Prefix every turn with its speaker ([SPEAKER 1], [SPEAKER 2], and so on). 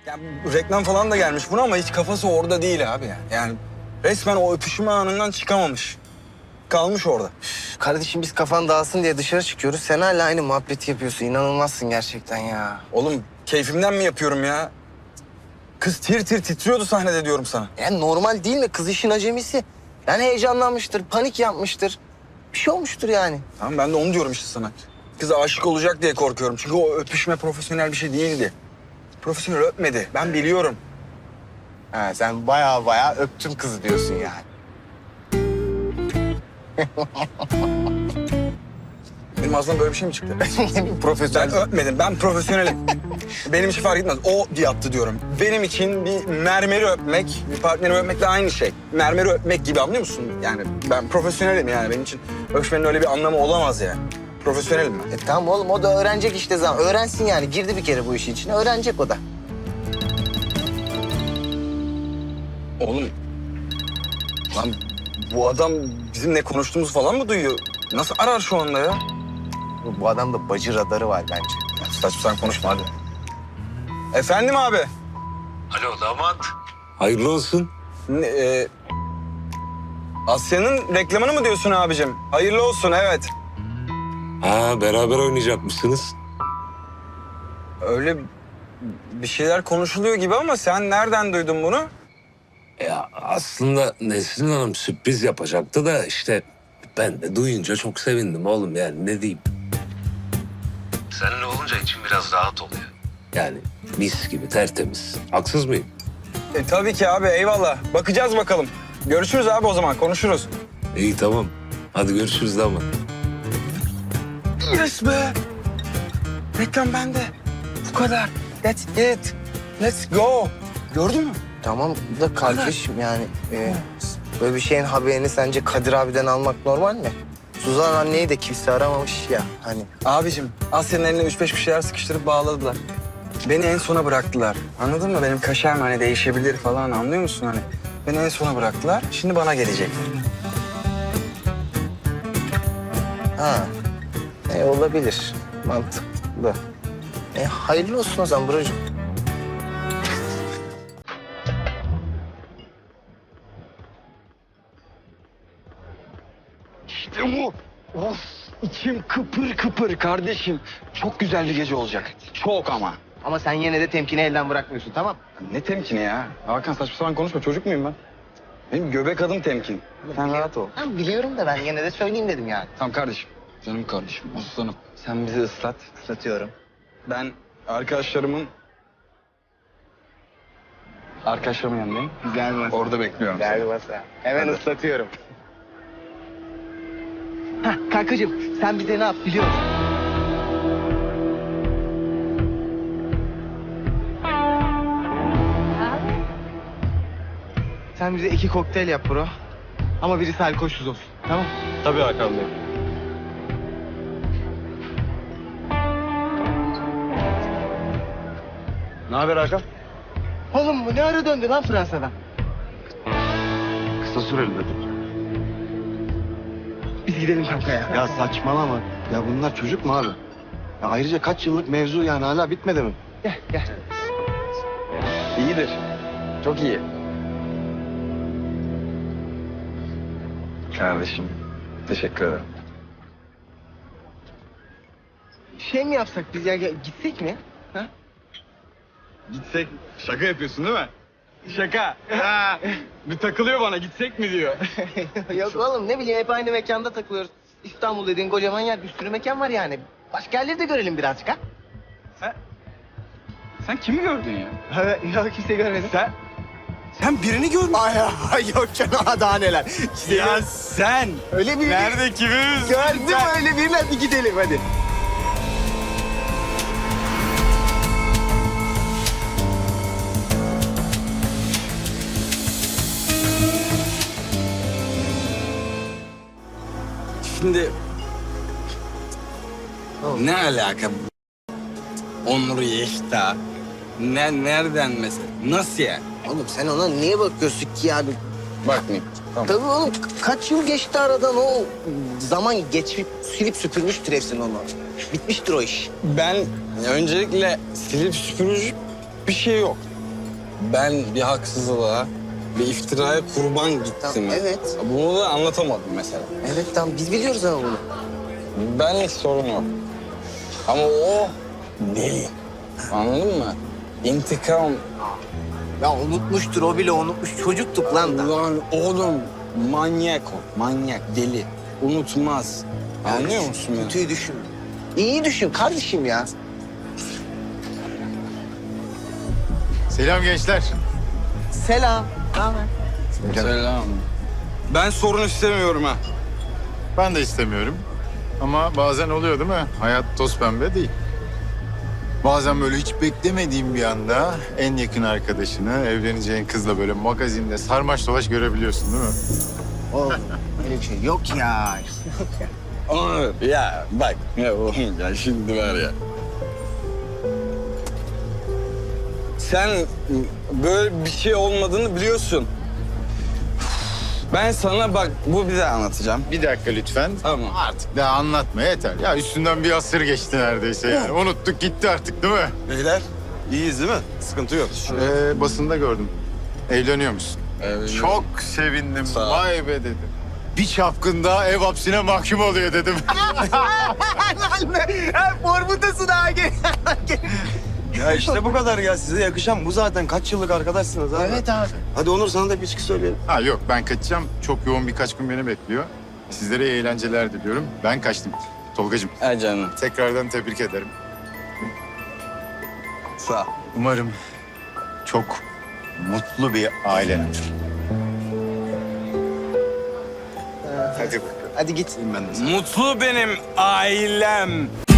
[SPEAKER 1] Yani reklam falan da gelmiş buna ama hiç kafası orada değil abi yani. Yani resmen o öpüşme anından çıkamamış. Kalmış orada.
[SPEAKER 2] Kardeşim biz kafan dağılsın diye dışarı çıkıyoruz. Sen hala aynı muhabbeti yapıyorsun. İnanılmazsın gerçekten ya.
[SPEAKER 1] Oğlum keyfimden mi yapıyorum ya? Kız tir tir titriyordu sahnede diyorum sana.
[SPEAKER 2] Yani normal değil mi? Kız işin acemisi. Yani heyecanlanmıştır, panik yapmıştır. Bir şey olmuştur yani.
[SPEAKER 1] Tamam ben de onu diyorum işte sana. Kız aşık olacak diye korkuyorum. Çünkü o öpüşme profesyonel bir şey değildi. Profesyonel öpmedi. Ben biliyorum.
[SPEAKER 2] Ha, sen baya öptün kızı diyorsun yani.
[SPEAKER 1] Benim ağzımdan böyle bir şey mi çıktı? Ben
[SPEAKER 2] Profesyonel.
[SPEAKER 1] öpmedim. Ben profesyonelim. Benim için fark etmez. O yaptı diyorum. Benim için bir mermeri öpmek, bir partneri öpmekle aynı şey. Mermeri öpmek gibi anlıyor musun? Yani ben profesyonelim yani. Benim için öpüşmenin öyle bir anlamı olamaz yani. Profesyonelim ben.
[SPEAKER 2] Tamam oğlum o da öğrenecek işte zaman. Öğrensin yani. Girdi bir kere bu işin içine. Öğrenecek o da.
[SPEAKER 1] Oğlum, lan bu adam bizim ne konuştuğumuzu falan mı duyuyor? Nasıl arar şu anda ya?
[SPEAKER 2] Bu adamda bacı radarı var bence.
[SPEAKER 1] Saçma sapan konuşma hadi. Efendim abi.
[SPEAKER 3] Alo damat. Hayırlı olsun.
[SPEAKER 1] Asya'nın reklamını mı diyorsun abicim? Hayırlı olsun evet.
[SPEAKER 3] Ha beraber oynayacakmışsınız.
[SPEAKER 1] Öyle bir şeyler konuşuluyor gibi ama sen nereden duydun bunu?
[SPEAKER 3] Ya aslında Nesrin Hanım sürpriz yapacaktı da işte ben de duyunca çok sevindim oğlum yani ne diyeyim. Seninle olunca içim biraz rahat oluyor. Yani mis gibi tertemiz. Haksız mıyım?
[SPEAKER 1] Tabii ki abi eyvallah. Bakacağız bakalım. Görüşürüz abi o zaman konuşuruz.
[SPEAKER 3] İyi tamam. Hadi görüşürüz damat.
[SPEAKER 1] Yes be. Reklam bende. Bu kadar. That's it. Let's go. Gördün mü?
[SPEAKER 2] Tamam da kardeşim yani böyle bir şeyin haberini sence Kadir abiden almak normal mi? Suzan anneyi de kimse aramamış ya hani.
[SPEAKER 1] Abicim Asya'nın eline 3-5 bir şeyler sıkıştırıp bağladılar. Beni en sona bıraktılar. Anladın mı? Benim kaşem hani değişebilir falan anlıyor musun hani? Beni en sona bıraktılar. Şimdi bana gelecek.
[SPEAKER 2] Ha. Olabilir. Mantıklı. Hayırlı olsun o zaman brocum.
[SPEAKER 1] İşte bu. Of içim kıpır kıpır kardeşim. Çok güzel bir gece olacak. Çok ama.
[SPEAKER 2] Ama sen yine de temkini elden bırakmıyorsun tamam?
[SPEAKER 1] Ne temkini ya? Hakan saçma sapan konuşma. Çocuk muyum ben? Benim göbek adım temkin. Sen rahat ol.
[SPEAKER 2] Ben biliyorum da ben yine de söyleyeyim dedim yani.
[SPEAKER 1] Tamam kardeşim. Canım kardeşim. Aslanım. Sen bizi ıslat.
[SPEAKER 2] Satıyorum.
[SPEAKER 1] Ben arkadaşlarımın yanındayım.
[SPEAKER 2] Güzel masa.
[SPEAKER 1] Orada bekliyorum.
[SPEAKER 2] Güzel masa. Hemen
[SPEAKER 1] Hadi.
[SPEAKER 2] ıslatıyorum. Hah kankacığım sen bize ne yap biliyor musun? Sen bize 2 kokteyl yap bro. Ama birisi alkolsüz olsun. Tamam?
[SPEAKER 1] Tabii Hakan Bey. Ne haber Hakan?
[SPEAKER 2] Oğlum bu ne ara döndü lan Fransa'dan?
[SPEAKER 4] Kısa süreli dedim.
[SPEAKER 2] Biz gidelim kanka ya.
[SPEAKER 4] Ya saçmalama. Ya bunlar çocuk mu abi? Ya ayrıca kaç yıllık mevzu yani hala bitmedi mi?
[SPEAKER 2] Gel gel.
[SPEAKER 1] İyidir. Çok iyi. Kardeşim, teşekkür ederim.
[SPEAKER 2] Şey mi yapsak biz ya gitsek mi? Ha?
[SPEAKER 1] Gitsek, şaka yapıyorsun değil mi? Şaka. Ha, bir takılıyor bana, gitsek mi diyor.
[SPEAKER 2] Yok oğlum ne bileyim hep aynı mekanda takılıyoruz. İstanbul dediğin kocaman yer bir sürü mekan var yani. Başka yerleri de görelim birazcık ha.
[SPEAKER 1] Sen kimi gördün ya?
[SPEAKER 2] Yok kimse görmedi.
[SPEAKER 1] Sen birini gördün.
[SPEAKER 2] Ay yok canım daha neler.
[SPEAKER 1] Ya sen.
[SPEAKER 2] Öyle bir
[SPEAKER 1] Nerede kimiz?
[SPEAKER 2] gördüm öyle birini hadi gidelim hadi.
[SPEAKER 1] Şimdi... Ne alaka? Onur Yekta. Nereden mesela? Nasıl yani?
[SPEAKER 2] Oğlum sen ona niye bakıyorsun ki ya?
[SPEAKER 1] Bakmayayım. Tamam.
[SPEAKER 2] Tabii oğlum kaç yıl geçti aradan o zaman geçip silip süpürmüştür hepsini onu. Bitmiştir o iş.
[SPEAKER 1] Ben öncelikle silip süpürücü bir şey yok. ben bir haksızlığa, bir iftiraya kurban gittim.
[SPEAKER 2] Tamam, evet.
[SPEAKER 1] Bunu da anlatamadım mesela.
[SPEAKER 2] Evet tamam biz biliyoruz ama bunu.
[SPEAKER 1] Benlik sorun yok. Ama o deli. Anladın mı? İntikam.
[SPEAKER 2] Ya unutmuştur o bile unutmuş. Çocuktuk lan da.
[SPEAKER 1] Lan oğlum manyak o. Manyak, deli. Unutmaz. Anlıyor musun beni?
[SPEAKER 2] Kötüyü düşün. İyi düşün kardeşim ya.
[SPEAKER 5] Selam gençler.
[SPEAKER 2] Selam. Ne haber?
[SPEAKER 1] Selam. Ben sorun istemiyorum ha.
[SPEAKER 5] Ben de istemiyorum. Ama bazen oluyor değil mi? Hayat toz pembe değil. Bazen böyle hiç beklemediğim bir anda en yakın arkadaşını, evleneceğin kızla böyle magazinde sarmaş dolaş görebiliyorsun değil mi?
[SPEAKER 2] Oğlum öyle bir şey yok ya.
[SPEAKER 1] Onu, ya bak ya oğlum ya şimdi var ya. Sen böyle bir şey olmadığını biliyorsun. Ben sana bak bu bir daha anlatacağım.
[SPEAKER 5] Bir dakika lütfen.
[SPEAKER 1] Tamam.
[SPEAKER 5] Artık daha anlatma yeter. Ya üstünden bir asır geçti neredeyse yani. Unuttuk gitti artık değil mi?
[SPEAKER 4] Beyler iyiyiz değil mi? Sıkıntı yok.
[SPEAKER 5] Basında gördüm. Evleniyor musun?
[SPEAKER 1] Evet.
[SPEAKER 5] Çok sevindim.
[SPEAKER 1] Sağ ol.
[SPEAKER 5] Vay be dedim. Bir çapkında ev hapsine mahkum oluyor dedim.
[SPEAKER 2] Formutasın ha gel.
[SPEAKER 4] Ya işte bu kadar ya. Size yakışan bu zaten. Kaç yıllık arkadaşsınız abi.
[SPEAKER 2] Evet abi.
[SPEAKER 4] Hadi Onur sana da bir içki söyleyelim.
[SPEAKER 5] Ha yok ben kaçacağım. Çok yoğun birkaç gün beni bekliyor. Sizlere iyi eğlenceler diliyorum. Ben kaçtım. Tolgacığım
[SPEAKER 1] Ha canım.
[SPEAKER 5] tekrardan tebrik ederim.
[SPEAKER 1] Sağ ol.
[SPEAKER 5] Umarım çok mutlu bir ailen olur. Hadi bakalım.
[SPEAKER 2] Hadi git.
[SPEAKER 4] Ben de
[SPEAKER 1] Mutlu benim ailem.